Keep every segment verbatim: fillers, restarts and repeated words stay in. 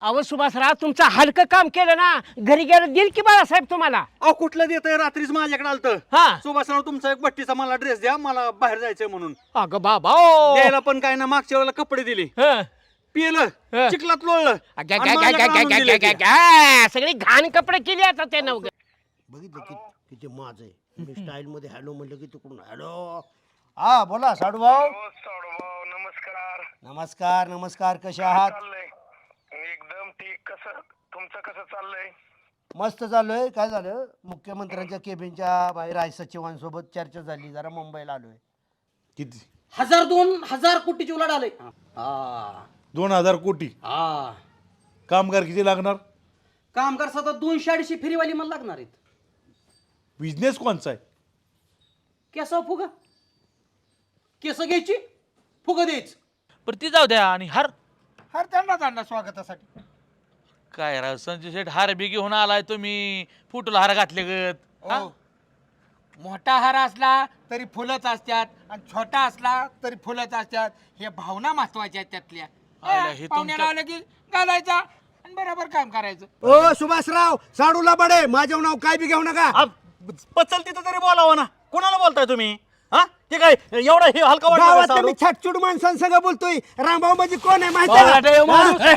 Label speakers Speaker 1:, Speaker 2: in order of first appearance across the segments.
Speaker 1: अहो सुभाषराव तुमचं हलकं काम केलं ना घरी गेलं देईल की बाळासाहेब तुम्हाला.
Speaker 2: अहो कुठलं देतंय रात्रीच माझ्याकडे आलतं.
Speaker 1: हा
Speaker 2: सुभाषराव तुमचा एक बट्टीचा मला ड्रेस द्या मला बाहेर जायचंय म्हणून.
Speaker 1: अगं बाबा ओ.
Speaker 2: द्यायला पण काय ना मागच्या वेळेला कपडे दिले
Speaker 1: हं.
Speaker 2: पिलं
Speaker 1: हं.
Speaker 2: चिखलात लोळलं
Speaker 1: अगं,
Speaker 2: आणि
Speaker 1: गं, गं,
Speaker 2: माझ्याकडे
Speaker 1: गं,
Speaker 2: आणून
Speaker 1: गं,
Speaker 2: दिले
Speaker 1: गं,
Speaker 2: ते.
Speaker 1: गं. सगळी घाण कपडे केली आता त्यानं उगा.
Speaker 3: बघितलं कि किती माझ आहे मी स्टाईल मध्ये हॅलो म्हणलं की तिकडून हॅलो. हा बोला साडू भाऊ.
Speaker 4: हो साडूभाऊ नमस्कार.
Speaker 3: नमस्कार नमस्कार कसे आहात?
Speaker 4: चाललंय एकदम ठीक. कसं तुमचं कसं चाललंय?
Speaker 3: मस्त चालू काय झालं मुख्यमंत्र्यांच्या केबिनच्या बाहेर आहे सचिवांसोबत चर्चा झाली जरा मुंबईला आलोय.
Speaker 5: किती?
Speaker 6: हजार दोन हजार कोटीची उलाढ आलंय. हा
Speaker 5: दोन हजार कोटी.
Speaker 6: हा
Speaker 5: कामगार किती लागणार?
Speaker 6: कामगार सतत दोनशे अडीचशे फेरीवाली मला लागणार आहेत.
Speaker 5: बिझनेस कोणचा आहे?
Speaker 6: केसाव फुग केस घ्यायची फुग द्यायच.
Speaker 7: पण ती जाऊ द्या. आणि हार
Speaker 3: हर त्यांना त्यांना स्वागतासाठी.
Speaker 7: काय राव संजय शेठ हार बी घेऊन आलाय तुम्ही फुटूला हार घातले गत. हा?
Speaker 8: मोठा हार असला तरी फुलंच असतात आणि छोटा असला तरी फुलंच असतात. हे भावना महत्वाच्या आहेत त्यातल्या.
Speaker 7: आयला हे
Speaker 8: पाहुण्याला आलं की घालायचा आणि बरोबर काम करायचं.
Speaker 3: ओ सुभाषराव साडूला बडे माझं नाव काय बी घेऊ नका.
Speaker 2: आ, पचल तिथं तरी बोलावं ना. कोणाला बोलताय तुम्ही? हा ते काय एवढा हे हलका
Speaker 3: गावातल्या
Speaker 2: वाटलं
Speaker 3: मी छटछुट माणसांसंग बोलतोय. रामभाऊ म्हणजे कोण आहे माहिती
Speaker 2: बावळाटे
Speaker 3: आहे
Speaker 2: माणूस.
Speaker 3: का?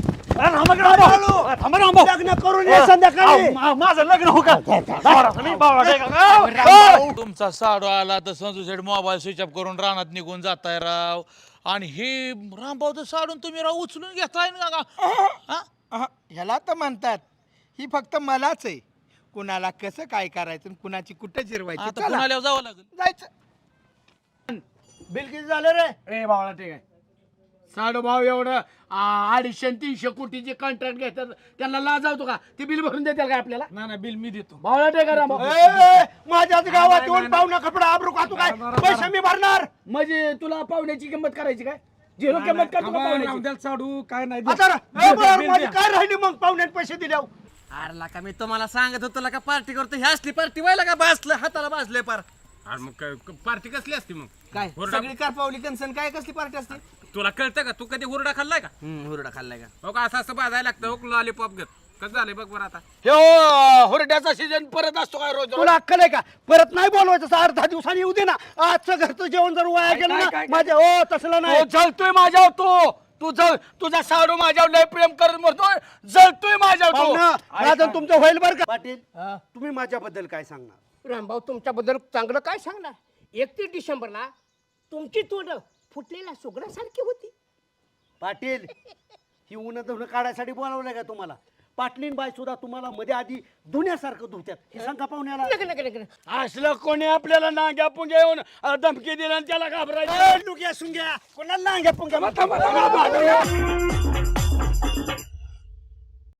Speaker 2: थांबा रामभाऊ.
Speaker 3: लग्न करून ये संध्याकाळी.
Speaker 2: अहो, मा- माझं लग्न हो का? बावळा, तुम्ही बावळा आहे का?
Speaker 7: तुमचा साडू आला तर संजू शेठ मोबाईल स्विच ऑफ करून रानात निघून जाताय राव. आणि हे रामभाऊ साडून तुम्ही राव उचलून घेताय ना का? हा?
Speaker 8: अहं, ह्याला तर म्हणतात ही फक्त मलाच आहे. कुणाला कसं काय करायचं आणि कुणाची कुठं जिरवायची.
Speaker 7: आता
Speaker 8: चला,
Speaker 7: पुण्याला जावं लागेल.
Speaker 8: जायचं.
Speaker 3: बिल किती झालं रे?
Speaker 8: ए बावळा ठीक आहे. साडू भाऊ एवढं आ, अडीचशे आणि तीनशे कोटीचे कॉन्ट्रॅक्ट घेतात त्यांना लाजावतो का? ते बिल भरून देतील का आपल्याला? ना ना बिल मी देतो. बावळा ठीक
Speaker 3: ए, माझ्याच गावात येऊन पाहुणा कपडा आबरू खातो काय पैसे मी भरणार.
Speaker 8: म्हणजे तुला पाहुण्याची किंमत करायची काय? झिरो किंमत करतो का पाहुण्याची?
Speaker 4: साडू काय नाही
Speaker 3: आता ए, बरं, माझी काय राहिली मग पाहुण्यात पैसे दिल्यावर?
Speaker 6: अरे का मी तुम्हाला सांगत होतो का पार्टी करतो. ही असली पार्टी व्हायला का बसलं हाताला बाजलंय पार.
Speaker 4: मग पार्टी कसली असते मग?
Speaker 6: काय सगळी कारपावली कन्सन काय कसली पार्टी असते?
Speaker 4: तुला कळतं का? तू कधी हुरडा खाल्लाय का?
Speaker 6: हम्म हुरडा खाल्लाय का?
Speaker 4: हो का असं असं भाजायला लागतं. हो लॉलीपॉप घेत कसं झालंय बघ बरं आता.
Speaker 8: हे हुरड्याचा सीजन परत असतो काय रोज?
Speaker 3: तुला अक्कल आहे का? परत नाही बोलवायचं असं अर्धा दिवसांनी येऊ दे ना. आजचं घरचं जेवण जर वाया गेलं ना माझ्या ओ तसलं नाही.
Speaker 8: तो जळतोय माझ्यावर. तो तू जळ तुझा साडू माझ्यावर लय प्रेम करत म्हणतोय. जळतोय माझ्यावर तो.
Speaker 3: पाहुणं, माझं तुमचं होईल बरं का? पाटील तुम्ही माझ्याबद्दल काय सांगणार?
Speaker 1: रामभाऊ तुमच्याबद्दल चांगलं काय सांगणार. एकतीस डिसेंबरला तुमची तोंड फुटलेल्या सुगडासारखी होती.
Speaker 3: पाटील ही उन्हा धुणं काढायसाठी बोलावलंय का तुम्हाला? पाटलीन बाई सुद्धा तुम्हाला मध्ये आधी धुण्यासारखं धुत्यात हे सांगा पाहुण्याला.
Speaker 1: नका नका नका.
Speaker 8: असलं कोणी आपल्याला नांग्या पुंग्या येऊन अ, धमकी दिली आणि त्याला घाबरायचं.
Speaker 3: लुग्या सुंग्या कोणाला नांग्या पुंग्या.